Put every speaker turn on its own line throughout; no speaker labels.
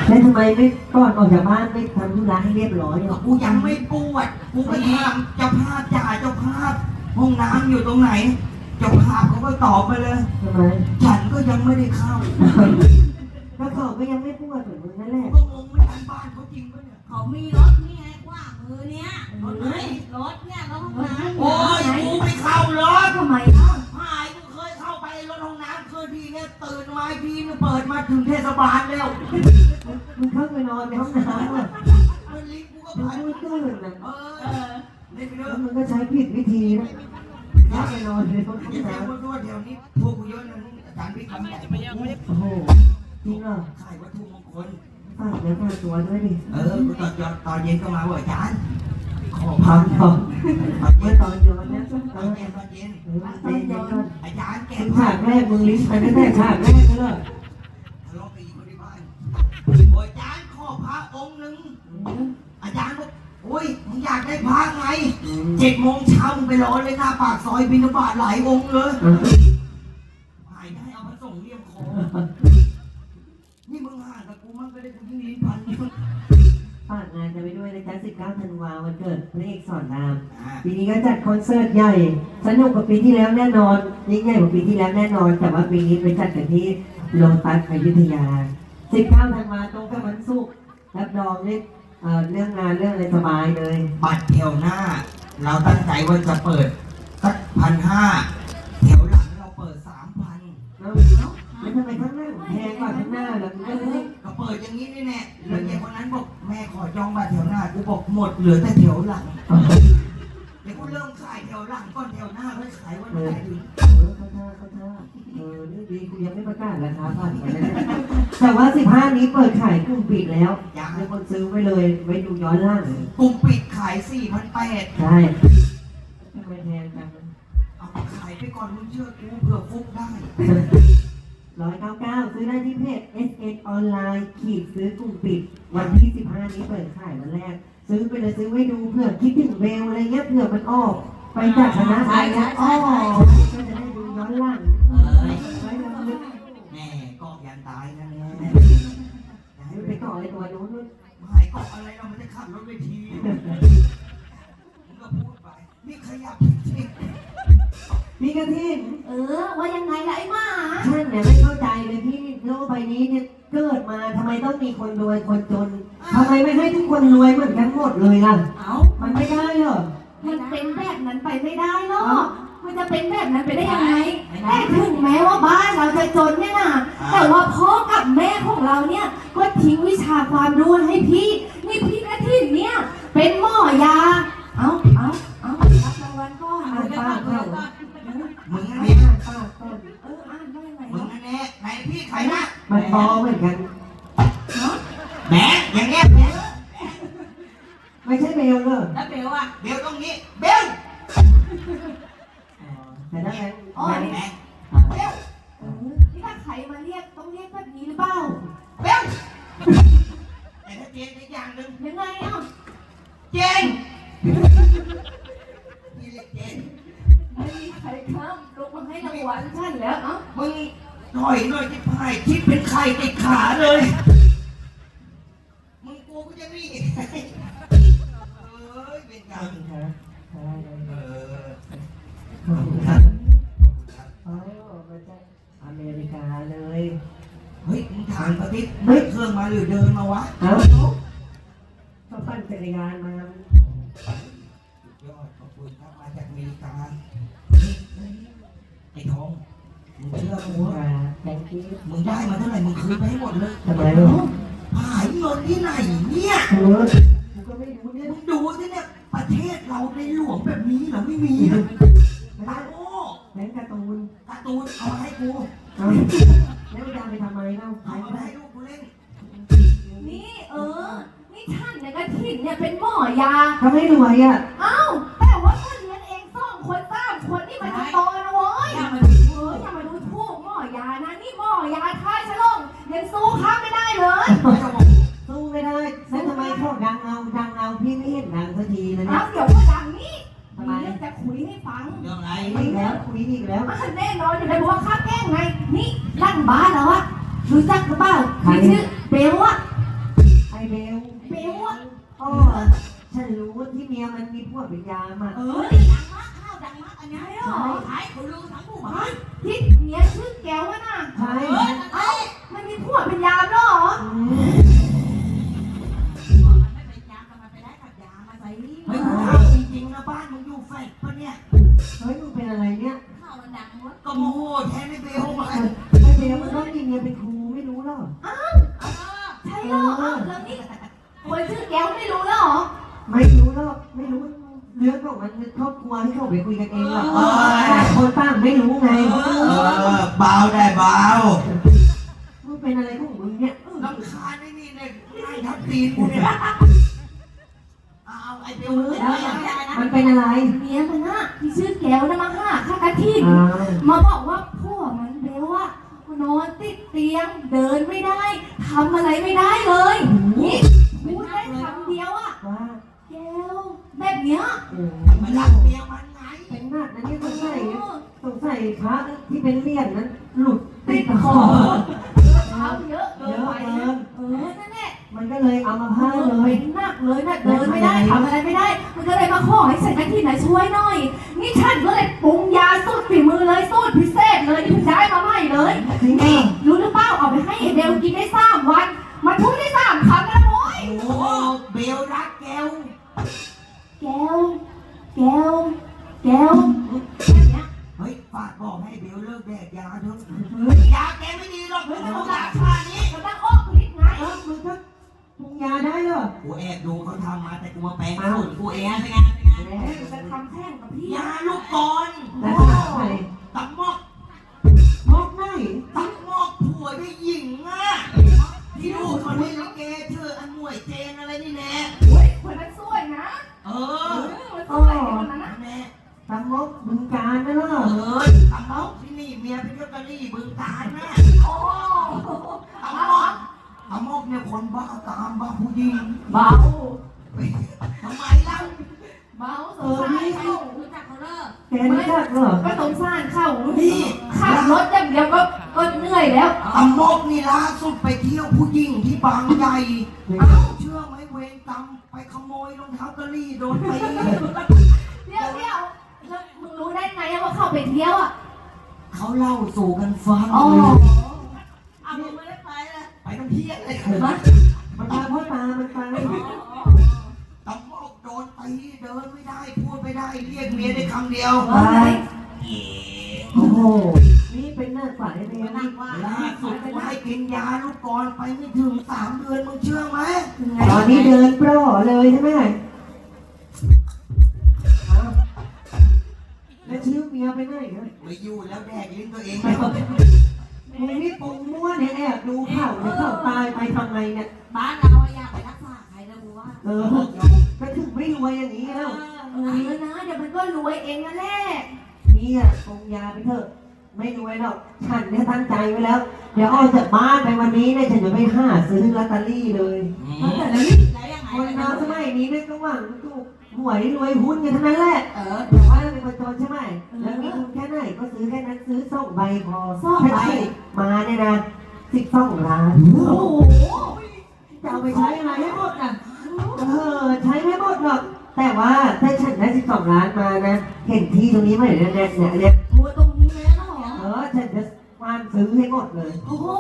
แล้วทำไมไม่ก่อนออกจากบ้านไม่ทำธุระให้เรียบร้อยหรอ
กูยังไม่ปวดกูก็ถามเจ้าภาพจ่าเจ้าภาพห้องน้ำอยู่ตรงไหนเจ้าภาพเขาก็ตอบมาเลย
ทำไม
ฉันก็ยังไม่ได้เข้า
แล้วเขาก็ยังไม่พูดเหมือนมึงนั่นแหละ
ก็งงไม่ทันบ้านเขาจริงปะเนี่ย
เขามีรถนี่ไงกว้างมือเนี้ยรถไหนรถเนี่ยรถห้องน้ำ
โอ้ยกูไม่เข้ารถ
ทำไมเล่า
หายกูเคยเข้าไปรถห้องน้ำเคยทีเนี่ยตื่นมาทีนึงเปิดมาถึงเทศบาลแล้ว
มึงเข้าไปนอนในห้องน้ำอ่ะ
มันลิฟต์กูก็
มึง
ผ่าน
ไม่ตื่นนะ
เล่นไปเถ
แล้
อะ
วมึงก็ใช้ผิดวิธีนะเข้าไปนอนในห้อง
อย่าแซว
น้ำ
ว่าตัวเดี๋ยวนี้พวกกูเยอะนะอาจารย์พี่คำใหญ่
โอ้โหจริงเหรอ
ขายวัตถุมงคล
ฝากเนื้อฝากตัวด้วยดิ
กูตอนเย็นก็มาบอกอาจารย์ขอ
พร้
พั
อน มพร้อม
เย็
เมื่อน ตอนย้อนเนี่ย
ตอนเย็น
ตอนเย็นก่อน
อาจารย์แกะ
มึง
ผ้า
ฉากแรกมึงลิ้นไปตั้งแต่ฉากแรกเลย
ทะเลาะกับอีกคนที่บ้านโอ้ยอาจารย์ขอพระองค์หนึ่งอาจารย์บอกโอ้ยมึงอยากได้พระไง7 โมงเช้ามึงไปรอเลยหน้าปากซอยบิณฑบาตหลายองค์เลยหายได้เอาพระสงฆ์เลี่ยมคอนี่มึงห่างกับกูมันก็ได้กูยิ่งลิ้นพัน
ฝากงานกันไปด้วยนะจ๊ะ19 ธันวาคมวันเกิดพระเอกสอนรามปีนี้ก็จัดคอนเสิร์ตใหญ่สนุกกว่าปีที่แล้วแน่นอนยิ่งใหญ่กว่าปีที่แล้วแน่นอน แต่ว่าปีนี้ไปจัดกันที่โลตัสอยุธยา19 ธันวาคมตรงกับวันศุกร์รับรองเรื่องงานเรื่องอะไรสบายเลย
บัตรแถวหน้า เราตั้งใจว่าจะเปิดสัก1,500แถวหลังเราเปิด3,000
แล้วทำไมข้างหน้าแพงกว่าข้างหน้าล่ะมึงก็เลย
ก็เปิดอย่างนี้นี่แน่แล้วเด็กคนนั้นบอกแม่ขอจองบัตรแถวหน้ากูบอกหมดเหลือแต่แถวหลังเดี๋ยวกูเริ่มขายแถวหลังก่อนแถวหน้าค่อยขายวันไหนถึง
เข้าท่านี่ดีกูยังไม่ประกาศราคาผ่านไปนะแต่ว่า15นี้เปิดขายกลุ่มปิดแล้วมีคนซื้อไว้เลยไว้ดูย้อนหล่าง
กลุ่มปิดขาย4,800
ใช่ทำไมแพงจัง
เอาขายไปก่อนมึงเชื่อกูเผื่อฟุกได้
199ซื้อได้ที่เพจ SN ออนไลน์ขีดซื้อกลุ่มปิดวันที่15นี้เปิดขายวันแรกซื้อไปเลยซื้อไว้ดูเผื่อคิดถึงเบลอะไรเงี้ยเผื่อมันออกไปจากคณะอะไรเงี้ยอ้อก็จะได้ดูย้อนหลังไว้ลำลึก
แม่เกาะยันตายนะแม่
ไปต่อไอ้ตัวนู้น
ไม่เกาะอะไรเราไม่ได้ขับรถเวทีมึงก็พูดไปนี่ขยับจริง
มีกระทิง
ว่ายังไงล่ะไอ้หมา
ท่านเนี่ยไม่เข้าใจเลยพี่โลกใบนี้เนี่ยเกิดมาทำไมต้องมีคนรวยคนจนทำไมไม่ให้ทุกคนรวยเหมือนกันหมดเลยล่ะ
เอ้า
มันไม่ได้เหรอ
มันเป็นแบบนั้นไปไม่ได้หรอกมันจะเป็นแบบนั้นไปได้ยังไงแต่ถึงแม้ว่าบ้านเราจะจนเนี่ยนะแต่ว่าพ่อกับแม่ของเราเนี่ยก็ทิ้งวิชาความรู้ให้พี่นี่พี่กระถิ่นเนี่ยเป็นหมอยาเอารับรางวัลก่อน
อ่านป้าเข้า
ๆมึง
อ่า
นี่
นป้าต้น
อ่านว่ายังไง
มึงนั่นแน่ไหนพี่ใครนะ
มันปอเหมือนกัน
แหมอย่างเงี้ยแหม
ไม่ใช่เบลเลย
แล้วเบลอ่ะ
เบลตรงนี้เบล
แต่ถ้างั้น
อ๋อ
แหม
นี่
แหมเบล
นี่ถ้าใครมาเรียกต้องเรียกแบบนี้หรือเปล่า
เบลแต่ถ้าเจนอีกอย่างหนึ่ง
ยังไงอ่ะ
เจนนี่เรียกเจน
ไม่มีใครข้ามลงมาให้รางวัลฉันแล้วเอ้า
มึงถอยหน่อยที่พายคิดเป็นไข่ติดขาเลย มึงกูจะนี่เป็นกรรม
ครับ
เออ
ขอบคุณครับอ๋อมาจากอเมริกาเลย
เฮ้ยมึงถามปฏิทินไม่เครื่องมาหรือเดินมาวะ
เอ้าก็ปั่นจักรยานมา
สุดยอดขอบคุณครับมาจากอเมริกาไอ้ทองมึงเชื่อกูว่า
แตงกี้
มึงได้มาเท่าไหร่มึงคืนไปให้หมดเลย
ทำไมลูก
หายเงินที่ไหนเนี่ย
กูก็ไม่รู้เนี่ย
มึงดูสิเนี่ยประเทศเราในหลวงแบบนี้เหรอไม่มีนะตาโอ้
แบงการ์ตูน
การ์ตูนเอามาให้กู
เอาแล้วจะเอาไปทำไมเล่า
เอา
ใช้
มา
ไม่ได้
ให้ลูกกูเล่น
นี่นี่ท่านเนี่ยกระถิ่นเนี่ยเป็นหมอยา
ทำให้รวยอ่ะ
เอ้าแต่ว่าถ้าเลี้ยงเอง2 คน 3 คนนี่มันจะโตนะเว้ยอย่ามาดูถูกหมอยานะนี่หมอยาท่าฉลองยังสู้ข้าไม่ได้เลย
สู้ไม่ได้แล้วทำไมพวกดังเอาพี่ไม่เห็นดังสักทีเลย
เอา
เนี่ย
เดี๋ยวว่าดังนี้มีเรื่องจะคุยให้ฟัง
เรื่องอะไร
คุยอีกแล้วคุยอีกแล้ว
แน่นอนอยู่เลยบอกว่าข้าแกล้งไงนี่ลั่นบ้านแล้วอะรู้จักหรือเปล่าที่ชื่อเบลอะ
มันมีพวกเป็นยามอ่ะ
เออ
ดังมากข้าวดังมากอันนี้
ใช่หรอ
ขายคนรู้ทั้งหมู่บ้าน
ที่เมียชื่อแก้วอะน่ะ
ใช่
เอ้ามันมีผัวเป็นยามเหรอ
มันไม่เป็นยามันไปได้กับยามาใส่นี่
เฮ้ยกูถามจริงๆนะบ้านมึงอยู่แฟลตปะเนี่ย
เฮ้ยมึงเป็นอะไรเนี่ย
ข้าวมันดังหมด
ก็โมโหแทนไอ้เบลมา
ไอ้เบลมันต้องมีเมียเป็นครูไม่รู้หรอ
ใช่เหรอเอ้าแล้วนี่คนชื่อแก้วไม่รู้แล้วเหรอ
ไม่รู้หรอกไม่รู้เรื่องของมันครอบครัวให้เขาไปคุยกันเองหรอกต่างคนต่างไม่รู้ไง
เบาได้เบา
มึงเป็นอะไรของมึงเนี่ย
ลำคาญไอ้นี่เนี่ยนั่งทับตีนกูเนี่ยเอาไอ้เบลเลย
มันเป็นอะไร
เมียมันน่ะที่ชื่อแก้วนะมาหาข้ากะทิน
อ้าว
มาบอกว่าผัวมันเบลอะนอนติดเตียงเดินไม่ได้ทำอะไรไม่ได้เลยนี่พูดได้คำเดียวอะ
ว่า
แก้วแบบเนี้ย
โอ้
มันรักเมียมันไง
เป็นหนักนะเนี่ยสงสัยพระที่เป็นเหรียญนั้นหลุดติดคอ
เท้าเยอะเกินไปนะนั่นแหละ
มันก็เลยเอามาพาดเล
เป็
ย
นหนักเลยนะเดินไม่ได้ทำอะไรไม่ได้ มันก็เลยมาขอให้ใส่กะทิน่ะช่วยหน่อย นี่ฉันก็เลยปรุงยาสูตรฝีมือเลยสูตรพิเศษเลยที่ได้มาใหม่เลย
จริงเหรอ
รู้หรือเปล่าเอาไปให้ไอเบลกินได้3 วันมันพูดได้3 คำแล้วโว้ย
โอ้เบลรักแกว
แก้วแก้วแก้วแบบเนี้ย
เฮ้ยฝากบอกให้เบลเลิกแดกยาเถอะยาแกไม่ดีหรอกไม่ต้องยาชานี้
มันตั้งอกฤทธิ์ไง
เอ้ามึงก็ปรุงยาได้เหรอ
กูแอบดูเขาทำมาแต่กูมาแปลงสูตรกูเอง
เป็นไงเป็นไง
จะทำแข่งกับพี่
ยาลูกกร
แล้วถามใคร
ตับมอก
มอกไหน
ตับมอกผัวได้หญิงอ่ะที่ลูกคนนี้ลิเกชื่ออันหน่วยเจนอะไรนี่แน่
เฮ้ยคนนั้นสวยนะ
เอ
มันสวยคนนั้นนะ
แน่
ตามมอกบึงการนะเหรอ
ตับมอกที่นี่เมียเป็นยกกะลี่บึงการนะ
โอ้
ตับมอกตับมอกเนี่ยคนบ้าตามบ้าผู้หญิง
เบา
ทำไมเล่า
เบาสงสารเขา
รู้จักเขาเลิก
แกรู้จักเหรอ
ก็สงสารเขา
นี่
ขับรถอย่างเดียวก็เหนื่อยแล้ว
ตับมอกนี่ล่าสุดไปเที่ยวผู้หญิงที่บางใหญ่
เอ้า
เชื่อไหมเวรกรรมไปขโมยรองเท้ากะลี่โดนตี
เดี๋ยวแล้วมึงรู้ได้ไงว่าเขาไปเที่ยวอ่ะ
เขาเล่าสู่กันฟัง
อ๋อ
เอามึงไม่ได้ไปเลย
ไปต้องเที่ยงเลย
มันพาพ่อตามันไป
ตำรวจโดนตีเดินไม่ได้พูดไม่ได้เรียกเมียได้คำเดียว
เฮ้ย
โอ้โหนี่เป็นหน้าฝ่ายเมีย
นั่
นี่
งว่า
ล่าสุดกูให้กินยาลูกกรอนไปไม่ถึง3 เดือนมึงเชื่อไหม
ตอนนี้เดินปล่อเลยใช่ไหมอ้าวแล้วชื่อเมียไปไหนเนี่ย
ไปอยู่แล้วแดกลิ้นตัวเอง
มึงนี่ปรุงมั่วเนี่ยแอบดูข่าวเนี่ยข่าวตายไปทำไมเนี่ย
บ้านเราอยากไปรักษาใครนะบัว
เออก็ถึงไม่รวยอย่างนี้แล้ว
นะเดี๋ยวมันก็รวยเองนั่นแหละ
นี่อ่ะปรุงยาไปเถอะ ไม่รวยหรอก ฉันเนี่ยตั้งใจไว้แล้ว เดี๋ยวออกจากบ้านไปวันนี้เนี่ยฉันจะไปหาซื้อลอตเตอรี่เลย
แล้วยังไง
คนเราสมัยนี้เนี่ยก็หวังถูกหวยรวยหุ้นกันทั้งนั้นแหละ
เออ
แต่ว่าเราเป็นคนจนใช่ไหมแล้วมีทุนแค่ไหนก็ซื้อแค่นั้นซื้อ2 ใบพอถ้าถูกมาเนี่ยนะ12 ล้าน
โอ้โห
จะเอาไปใช้อะไรให้หมดอ่ะใช้ไม่หมดหรอก แต่ว่าถ้าฉันได้12 ล้านมานะ เห็นที่ตรงนี้ไหมเนี่ย
บัวตรงนี้แล้วเหรอ
ฉันจะวานซื้อให้หมดเลย
โอ้โห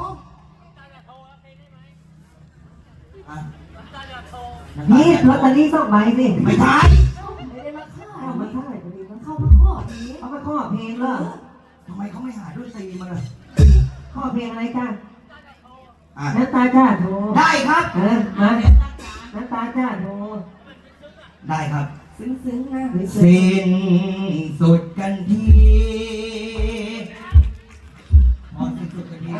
นี่ลอตเตอรี่2 ใบสิ
ไม่ใช่
ไม่ได้มาฆ่า
เอามาเท่าไหร่พอดีวะ
เข้ามาขอนี้
เอามาข้อเพลงเหรอ
ทำไมเขาไม่หาด้วยตีมาเลย
ข้อเพลงอะไรจ้า
อ่ะ
น้ำตาจ้าโทร
ได้ครับ
มาน้ำตาจ้าโทร
ได้ครับ
ซึ้งๆนะ
สิ้นสุดกันทีพอสิ้นสุดกันที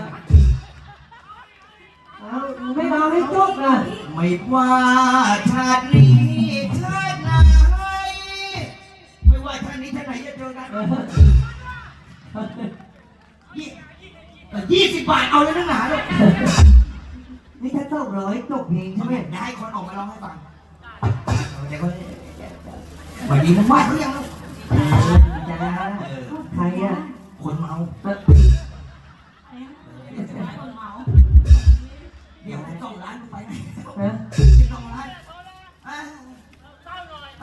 เอาไม่รอให้จบนะ
ไม่ว่าชาตินี้ชาติไหนไม่ว่าชาตินี้ชาติไหนจะเจอกัน20 บาทเอาเลยนักหนาเลย
นี่ถ้า200จบเพลงใช่ไหม
ได้คนออกมาร้องให้ฟังเดี๋ยวก็วันนี้มึงว่าเขายัง
จ้าใครอ่ะ
คนเมา
คนเมา
เดี๋ยว2 ล้านมึงไปไหน
ฮะ
12 ล้าน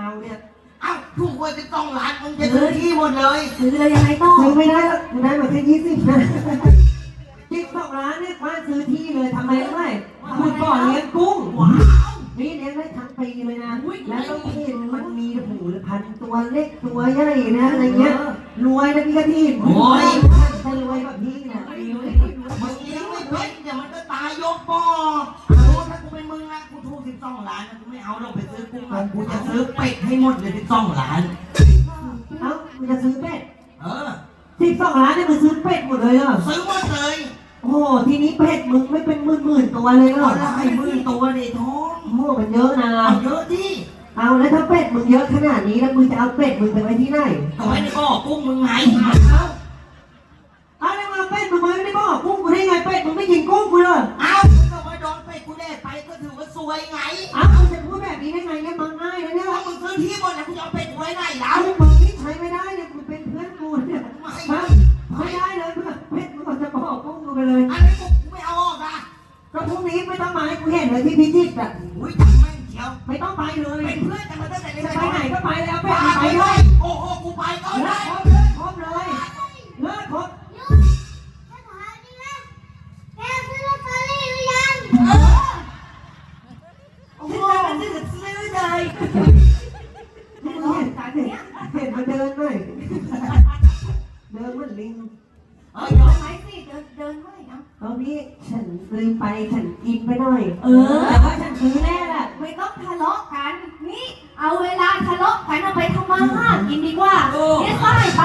เอาเนี่ย
เอ้าถูกหวย12 ล้านมึงจะซื้อที่หมดเลย
ซื้อเลยยังไงต่อ
ซื้อไม่ได้หรอกกูได้มาแค่20นะ12 ล้านเนี่ยว่าซื้อที่เลยทำไมรู้ไหมคุณก่อนเลี้ยงกุ้ง
ว้าว
นี่เลี้ยงได้ทั้งปีเลยนะแล้วต้องเห็นมันมีหูพันตัวเล็กตัวใหญ่นะอะไรเงี้ยรวยนะพี่กะทิจะรวยแบบพี่นะ
มึงเลี้ยงไม่เป็นเดี๋ยวมันก็ตายยกบ่อโอ้ถ้ากูเป็นมึงนะกูถูก12 ล้านนะกูไม่เอาลงไปซื้อกุ้งนะกูจะซื้อเป็ดให้หมดเลย12 ล้าน
เอ้ามึงจะซื้อเป็ด
เออ
12 ล้านเนี่ยมึงซื้อเป็ดหมดเลยเหรอ
ซื้อหมดเลย
โอ้โหทีนี้เป็ดมึงไม่เป็นหมื่นตัวเลยเหร
ก็
อ
ได้10,000 ตัวดิท้อง
โอ้โหมันเยอะนะ
เอาเยอะดิ
เอาแล้วถ้าเป็ดมึงเยอะขนาดนี้แล้วมึงจะเอาเป็ดมึงไปไว้ที่ไหน
เอาไว้ในบ่อกุ้งมึงไง
เอาแล้วมาเป็ดมึงไว้ไม่บอกกุ้งกูได้ไงเป็ดมึงไม่กินกุ้งกูเลย
เอาก็ว่าโดนเป็ดกูแน่ไปก็ถือว่าซวยไง
เอามึงจะพูดแบบนี้ได้ไงเนี่ยมันง่ายนะเนี่ย
ถ้ามึงซื้อที่หมดนะกูจะเอาเป็ดกูไว้ไหนแล้
เอา
ว
มึงนี่ใช้ไม่ได้เนี่ยมึงเป็นเพื่อนกูเนี่ยฮะไม่ได้เลยเพื่อนเป็ดมึงจะบอกกุ้งกูไปเลย
อันนี้กูไม่เอาออกนะ
ก็พรุ่งนี้ไม่ต้องมาให้กูเห็นเลยที่พิจิตรอ่ะ
อุ้ยจังแม่งเขียว
ไม่ต้องไปเลย
เป็นเพื่อนกันมาตั้งแต่เล็ก
จะ
ๆ
ไปไหนก็ไปแล้วเป็ด
ไป
มึงไป
เล
ด้วย
ยโอ้โหกูไปก็
เลิ
ได้
กครบเลยครบเลยเลิกครบ
โอ้โหซื้อเลย
มึงเห็นเห็นมาเดินหน่อยเดินเหมือนลิง
เฮ้ยเดี๋ยว
ไหมสิเดินไม่เอา
ตอนนี้ฉันลืมไปฉันกินไปหน่อย
แต่
แต่
ว่า
ว่าฉันซื้อแน่แหละ
ไม่ต้องทะเลาะกัน นี่เอาเวลาทะเลาะกันเอาไปทำมาหากินดีกว่าเนี่ยสาย